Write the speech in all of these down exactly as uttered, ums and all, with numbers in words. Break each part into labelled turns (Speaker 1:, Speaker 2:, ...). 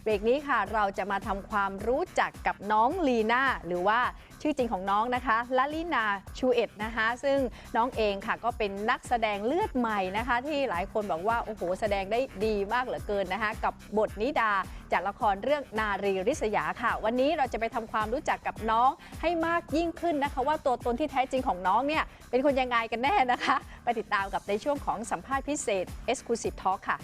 Speaker 1: เบรกนี้ค่ะเราจะมาทำความรู้จักกับน้องลีน่าหรือว่าชื่อจริงของน้องนะคะลลินาชูเอ็ดนะคะซึ่งน้องเองค่ะก็เป็นนักแสดงเลือดใหม่นะคะที่หลายคนบอกว่าโอ้โหแสดงได้ดีมากเหลือเกินนะคะกับบทนิดาจากละครเรื่องนารีริษยาค่ะวันนี้เราจะไปทำความรู้จักกับน้องให้มากยิ่งขึ้นนะคะว่าตัวตนที่แท้จริงของน้องเนี่ยเป็นคนยังไงกันแน่นะคะไปติดตามกับในช่วงของสัมภาษณ์พิเศษ Exclusive Talk ค่ะ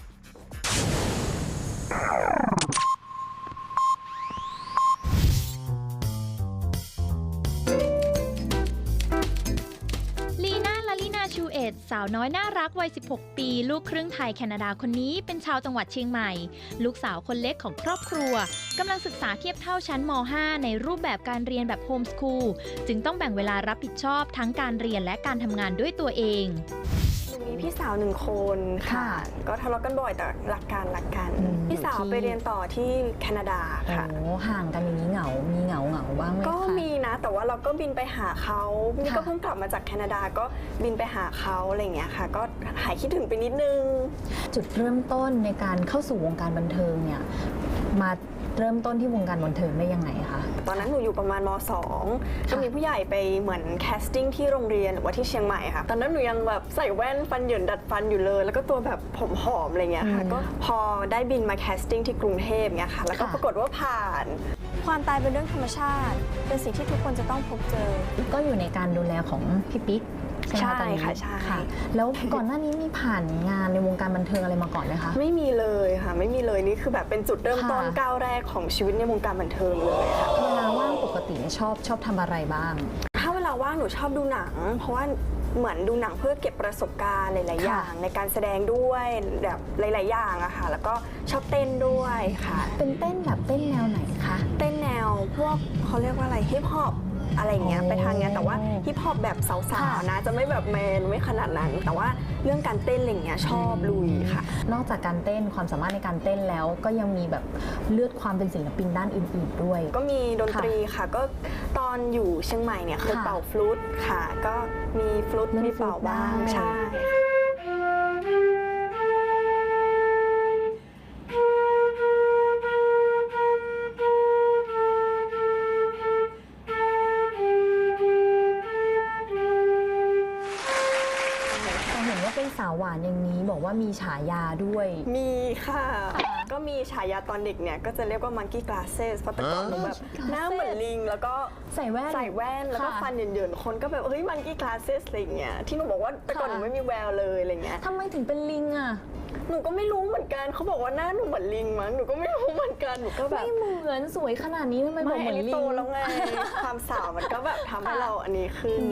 Speaker 2: ชูเอ็ดสาวน้อยน่ารักวัยสิบหกปีลูกครึ่งไทยแคนาดาคนนี้เป็นชาวจังหวัดเชียงใหม่ลูกสาวคนเล็กของครอบครัวกำลังศึกษาเทียบเท่าชั้นม ห้า ในรูปแบบการเรียนแบบโฮมสคูลจึงต้องแบ่งเวลารับผิดชอบทั้งการเรียนและการทำงานด้วยตัวเอง
Speaker 3: มีพี่สาวหนึ่งคนค่ะก็ทะเลาะกันบ่อยแต่รักกันรักกันพี่สาวไปเรียนต่อที่แคนาดาค่ะ
Speaker 4: โอ้ห่างกันอย่างนี้เหงามีเหงาเหงาบ้างไหมคะ
Speaker 3: ก็มีนะแต่ว่าเราก็บินไปหาเขานี่ก็เพิ่งกลับมาจากแคนาดาก็บินไปหาเขาอะไรอย่างเงี้ยค่ะก็หายคิดถึงไปนิดนึง
Speaker 4: จุดเริ่มต้นในการเข้าสู่วงการบันเทิงเนี่ยมาเริ่มต้นที่วงการบันเทิงได้ยังไงคะ
Speaker 3: ตอนนั้นหนูอยู่ประมาณม สอง ก็มีผู้ใหญ่ไปเหมือนแคสติ้งที่โรงเรียนหรือว่าที่เชียงใหม่ค่ะตอนนั้นหนูยังแบบใส่แว่นฟันเหยินดัดฟันอยู่เลยแล้วก็ตัวแบบผมหอมอะไรเงี้ยค่ะก็พอได้บินมาแคสติ้งที่กรุงเทพเงี้ยค่ะแล้วก็ปรากฏว่าผ่านความตายเป็นเรื่องธรรมชาติเป็นสิ่งที่ทุกคนจะต้องพบเจอ
Speaker 4: ก็อยู่ในการดูแลของพี่ปิ๊ก
Speaker 3: ใช่ค่ะใช่
Speaker 4: แล้วก่อนหน้านี้มีผ่านงานในวงการบันเทิงอะไรมาก่อนไหมคะ
Speaker 3: ไม่มีเลยค่ะไม่มีเลยนี่คือแบบเป็นจุดเริ่มต้นก้าวแรกของชีวิตในวงการบันเทิงเลยค่ะ
Speaker 4: เวลาว่างปกติชอบชอบทำอะไรบ้าง
Speaker 3: ถ้าเวลาว่างหนูชอบดูหนังเพราะว่าเหมือนดูหนังเพื่อเก็บประสบการณ์หลายๆอย่างในการแสดงด้วยแบบหลายๆอย่างอะค่ะแล้วก็ชอบเต้นด้วยค่ะ
Speaker 4: เป็นเต้นแบบเต้นแนวไหนคะ
Speaker 3: เต้นแนวพวกเขาเรียกว่าอะไรฮิปฮอปอะไรเงี้ยไปทางเงี้ยแต่ว่าฮิปฮอปแบบสาวๆนะจะไม่แบบแมนไม่ขนาดนั้นแต่ว่าเรื่องการเต้นอะไรเงี้ยชอบลุยค่ะ
Speaker 4: นอกจากการเต้นความสามารถในการเต้นแล้วก็ยังมีแบบเลือดความเป็นศิลปินด้านอื่นๆด้วย
Speaker 3: ก็มีดนตรีค่ะก็ตอนอยู่เชียงใหม่เนี่ยเคยเป่าฟลูตค่ะก็มีฟลูตมีเป่าบ้างใช่
Speaker 4: สาวหวานอย่างนี้บอกว่ามีฉายาด้วย
Speaker 3: มีค่ะก็มีฉายาตอนเด็กเนี่ยก็จะเรียกว่า monkey glasses เพราะแต่ก่อนหนูแบบหน้าเหมือนลิงแล้วก็
Speaker 4: ใส่แว่น
Speaker 3: ใส่แว่นแล้วก็ฟันเหยินๆคนก็แบบเฮ้ย monkey glasses อะไรเงี้ยที่หนูบอกว่าแต่ก่อนหนูไม่มีแววเลยอะไรเงี้ย
Speaker 4: ทำไมถึงเป็นลิงอ่ะ
Speaker 3: หนูก็ไม่รู้เหมือนกันเขาบอกว่าหน้าหนูเหมือนลิงมั้งหนูก็ไม่รู้เหมือนกันหนูก็แบบ
Speaker 4: ไม่เหมือนสวยขนาดนี้ทำไมบอกเหมือนลิง
Speaker 3: โตแล้วไงความสาวมันก็แบบทำให้เราอันนี้ขึ้น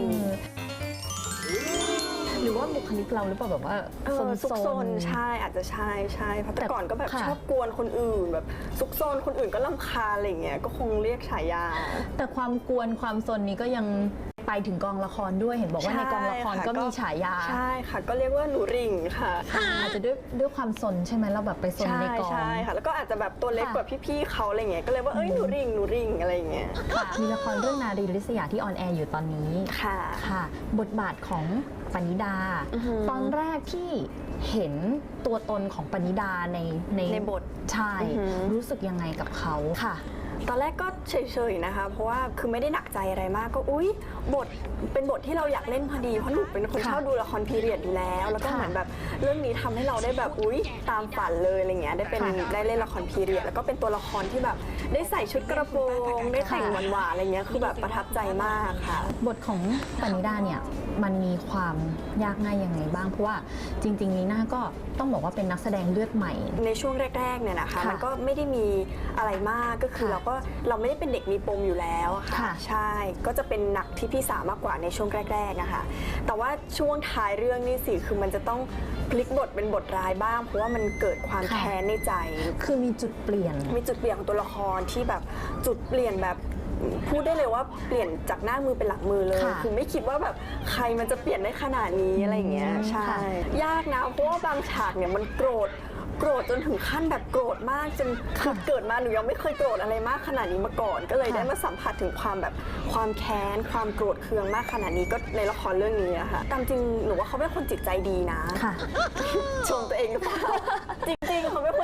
Speaker 4: หรือว่าบุคลิกเราหรือเปล่าแบบว่า
Speaker 3: ซุกซนใช่อาจจะใช่ใช่เพราะแต่ก่อนก็แบบชอบกวนคนอื่นแบบซุกซนคนอื่นก็รำคาญอะไรเงี้ยก็คงเรียกฉายา
Speaker 4: แต่ความกวนความซนนี้ก็ยังไปถึงกองละครด้วยเห็นบอกว่าในกองละครก็มีฉายา
Speaker 3: ใช่ค่ะก็เรียกว่าหนูริงค่ะ
Speaker 4: อาจจะด้วยด้วยความซนใช่ไหมเราแบบไปซนในกอง
Speaker 3: ใช่ค่ะแล้วก็อาจจะแบบตัวเล็กกว่าพี่ๆเขาอะไรเงี้ยก็เลยว่าเอ้ยหนูริงหนูริงอะไรเงี้ย
Speaker 4: มีละครเรื่องนารีริษยาที่ออนแอร์อยู่ตอนนี้
Speaker 3: ค่ะ
Speaker 4: ค่ะบทบาทของปณิดาตอนแรกที่เห็นตัวตนของปณิดาใน
Speaker 3: ในในบท
Speaker 4: ใช่รู้สึกยังไงกับเขาค่ะ
Speaker 3: ตอนแรกก็เฉยๆนะคะเพราะว่าคือไม่ได้หนักใจอะไรมากก็อุ๊ยบทเป็นบทที่เราอยากเล่นพอดีเพราะหนูเป็นคนชอบดูละครพีเรียดอยู่แล้วแล้วก็เหมือนแบบเรื่องนี้ทำให้เราได้แบบอุ๊ยตามฝันเลยอะไรเงี้ยได้เป็นได้เล่นละครพีเรียดแล้วก็เป็นตัวละครที่แบบได้ใส่ชุดกระโปรงได้แต่งหวานๆอะไรเงี้ยคือแบบประทับใจมากค่ะ
Speaker 4: บทของปณิดาเนี่ยมันมีความยากง่ายยังไงบ้างเพราะว่าจริงๆลีน่าก็ต้องบอกว่าเป็นนักแสดงเลือดใหม่
Speaker 3: ในช่วงแรกๆเนี่ยนะคะมันก็ไม่ได้มีอะไรมากก็คือเราก็เราไม่ได้เป็นเด็กมีปมอยู่แล้วค่ะใช่ก็จะเป็นหนักที่พี่สาวมากกว่าในช่วงแรกๆนะคะแต่ว่าช่วงท้ายเรื่องนี่สิคือมันจะต้องพลิกบทเป็นบทร้ายบ้างเพราะว่ามันเกิดความแค้นในใจ
Speaker 4: คือมีจุดเปลี่ยน
Speaker 3: มีจุดเปลี่ยนของตัวละครที่แบบจุดเปลี่ยนแบบพูดได้เลยว่าเปลี่ยนจากหน้ามือเป็นหลังมือเลยคือไม่คิดว่าแบบใครมันจะเปลี่ยนได้ขนาดนี้อะไรอย่างเงี้ยใช่ยากนะเพราะว่าบางฉากเนี่ยมันโกรธโกรธจนถึงขั้นแบบโกรธมากจนคือเกิดมาหนูยังไม่เคยโกรธอะไรมากขนาดนี้มาก่อนก็เลยได้มาสัมผัสถึงความแบบความแค้นความโกรธเคืองมากขนาดนี้ก็ในละครเรื่องนี้อะค่ะตามจริงหนูว่าเขาเป็นคนจิตใจดีนะชมตัวเองหรือเปล่าจริงๆเขาเป็นคน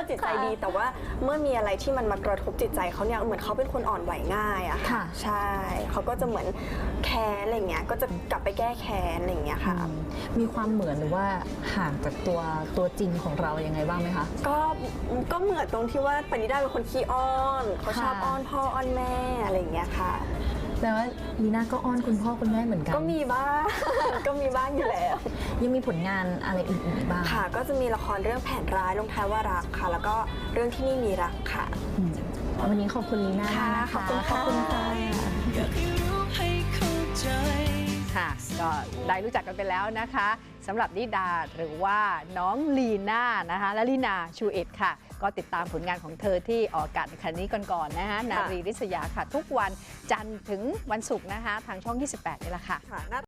Speaker 3: คนจิตใจดี แต่ว่าเมื่อมีอะไรที่มันมากระทบจิตใจเขาเนี่ยเหมือนเขาเป็นคนอ่อนไหวง่ายอะค่ะใช่เขาก็จะเหมือนแค้นอะไรเงี้ยก็จะกลับไปแก้แค้นอะไรเงี้ยค่ะ
Speaker 4: มีความเหมือนหรือว่าห่างจากตัวตัวจริงของเรายังไงบ้างไหมคะ
Speaker 3: ก็ก็เหมือนตรงที่ว่าปณิดาเป็นคนขี้อ้อนเขาชอบอ้อนพ่ออ้อนแม่อะไรอย่างเงี้ยค่ะ
Speaker 4: แต่ว่าลีน่าก็อ้อนคุณพ่อคุณแม่เหมือนกัน
Speaker 3: ก็มีบ้าง ก็มีบ้างอยู่แล้ว
Speaker 4: ยังมีผลงานอะไรอื่นๆอีกบ้าง
Speaker 3: ค่ะ ก็จะมีละครเรื่องแผนร้ายลงท้ายว่ารักค่ะ แล้วก็เรื่องที่นี่มีรักค่ะ
Speaker 4: อืมวันนี้ขอบคุณลีน่า
Speaker 3: ค่ะ
Speaker 4: นะคะ
Speaker 3: ขอบคุณค่ะ
Speaker 4: ขอบคุณค่ะ
Speaker 1: ค่ะก็ได้รู้จักกันไปแล้วนะคะสำหรับนิดาหรือว่าน้องลีน่านะคะและลีนาชูเอ็ดค่ะก็ติดตามผลงานของเธอที่ออกอากาศในครั้งนี้ก่อนๆนะคะนารีริษยาค่ะ ทุกวันจันทร์ถึงวันศุกร์นะคะทางช่องยี่สิบแปดนี่แหละค่ะ